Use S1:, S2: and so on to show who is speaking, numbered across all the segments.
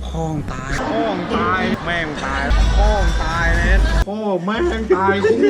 S1: พ่องตายแม่งตายพ่องตายเน็ตพ่อแม่งตายคู่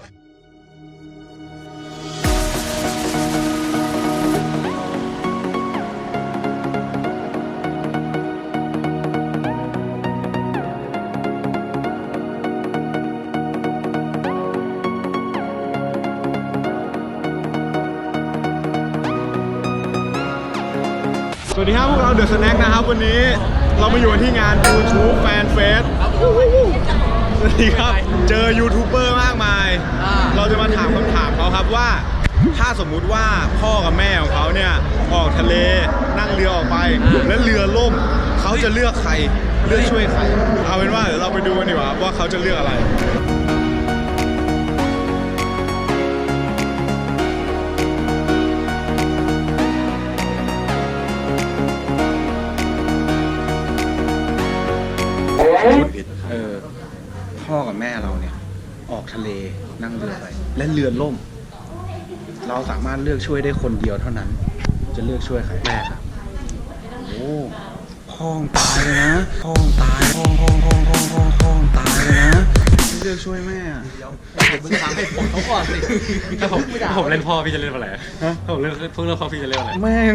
S1: สวัสดีครับพวกเราเดอะสแน็คนะครับวันนี้เรามาอยู่ที่งาน YouTube Fan Fest สวัสดีครับเจอยูทูบเบอร์มากมายเราจะมาถามคำถามเขาครับว่าถ้าสมมุติว่าพ่อกับแม่ของเขาเนี่ยออกทะเลนั่งเรือออกไปแล้วเรือล่มเขาจะเลือกใครเลือกช่วยใครเอาเป็นว่าเดี๋ยวเราไปดูกันดีกว่าว่าเขาจะเลือกอะไรพ่อกับแม่เราเนี่ยออกทะเลนั่งเรือไปและเรือล่มเราสามารถเลือกช่วยได้คนเดียวเท่านั้นจะเลือกช่วยใครแม่ครับโอ้พ่องตายเลยนะพ่องตายพ่องตายเลยนะเลือกช่วยแม่ผมจะทำให้ผมเขาก่อนสิ
S2: ถ้าผมเล่นพ่อพี่จะเล่นอะไรถ้าผมเล่นเพิ่งเล่นพ่อพี่จะเล่นอะไร
S1: แม่ง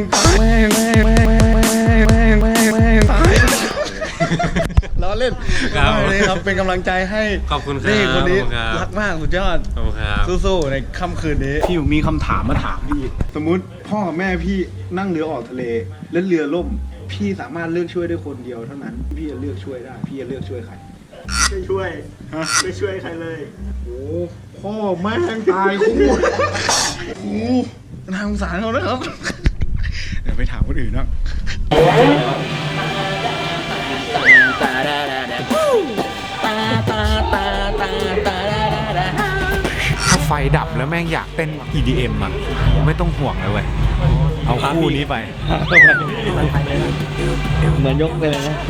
S1: ตายล้อเล่นครับเป็นกำลังใจให้
S2: ขอบคุณครับ
S1: นี่คนนี้รักมากสุดยอด
S2: ขอบคุณครับ
S1: สู้ๆในค่ำคืนนี้พี่มีคำถามมาถามพี่สมมุติพ่อกับแม่พี่นั่งเรือออกทะเลแล้วเรือล่มพี่สามารถเลือกช่วยได้คนเดียวเท่านั้นพี่จะเลือกช่วยได้พี่จะเลือกช่วยใคร
S3: ไม่ช่วยไม่ช่วยใครเลย
S1: โอ้พ่อแม่งตายคู่โอ้น่าสงสารเขานะครับเดี๋ยวไปถามคนอื่นบ้าง
S2: ถ้าไฟดับแล้วแม่งอยากเต้น EDM อ่ะไม่ต้องห่วงเลยเว้ยเอาคู่นี้ไป
S3: เหมือนยกไปเลยนะ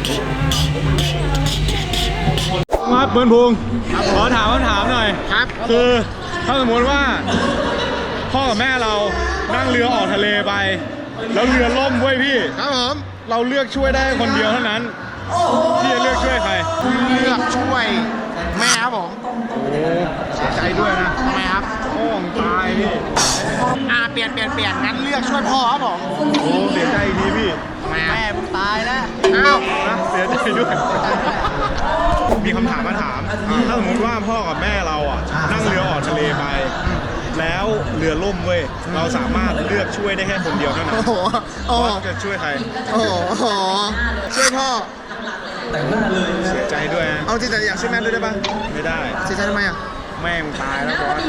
S1: มาเปิ้ลพงศ์ขอถามคำถามหน่อยครับคือถ้าสมมติว่าพ่อกับแม่เรานั่งเรือออกทะเลไปแล้วเรือล่มเว้ยพี่ครับผมเราเลือกช่วยได้คนเดียวเท่านั้นพี่จะเลือกช่วยใคร
S3: เลือกช่วยแม่ครับผม
S1: โอ้เสียใจด้วยนะ
S3: ทำไมครับ
S1: พ่องตายพี่
S3: เปลี่ยนงั้นเลือกช่วยพ่อครับผม
S1: โอ้เสียใจอีกทีพี่
S3: แม่มึงตายแล้ว
S1: อ้าวนะเสียใจด้วยมีคำถามมาถามถ้าสมมติว่าพ่อกับแม่เราอ่ะนั่งเรือออกทะเลไปแล้วเรือล่มเว้ยเราสามารถเลือกช่วยได้แค่คนเดียวเท่านั้นจะช่วยใคร
S3: ช่วยพ่อ
S1: เสียใจด้วยนะ
S3: เอาจริงๆอยากช่วยแม่ด้วยได้ปะ
S1: ไม่ได้
S3: เสียใจทำไมอ่ะ
S1: แม่ตายแล้วบอส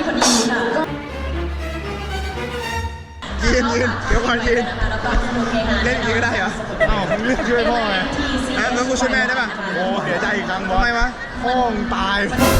S3: ยืนเดี๋ยวก่อนยืนเล่นก็ได้เหรอ
S1: อ้าวมึงเลือกช่วยพ่อไง
S3: แล้วกูช่วยแม่ได้ปะ
S1: โอ้เสียใจอีกครั้งบอส
S3: ทำไมวะ
S1: พ่องตาย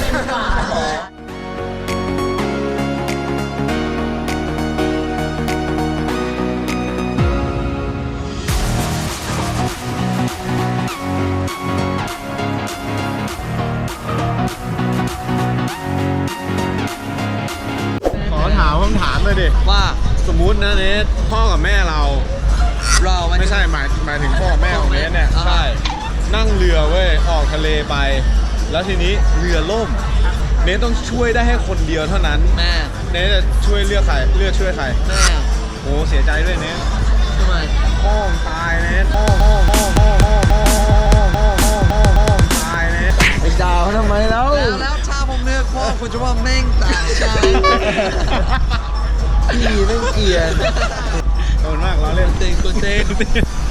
S1: ขอถามคำถามเลยดิ
S3: ว่า
S1: สมมุตินะเนทพ่อกับแม่เราไม่ใช่หมายถึงพ่อกับแม่ของเนทเนี่ยใช่นั่งเรือเว้ยออกทะเลไปแล้วทีนี้เรือล่มเนทต้องช่วยได้ให้คนเดียวเท่านั้น
S3: แม่
S1: เนทจะช่วยเลือกใครเลือกช่วยใคร
S3: แม่
S1: โอ้เสียใจด้วยเนท
S3: ทำไม
S1: พ่อตายเนทพ่อตายเนท
S3: ไอ้ดาวทำไมแล้วถ้าผมเลือกพ่อคุณจะว่าแม่งตายพี่แม่งเกลียด
S1: โดนมากเราเล่น
S3: เต้น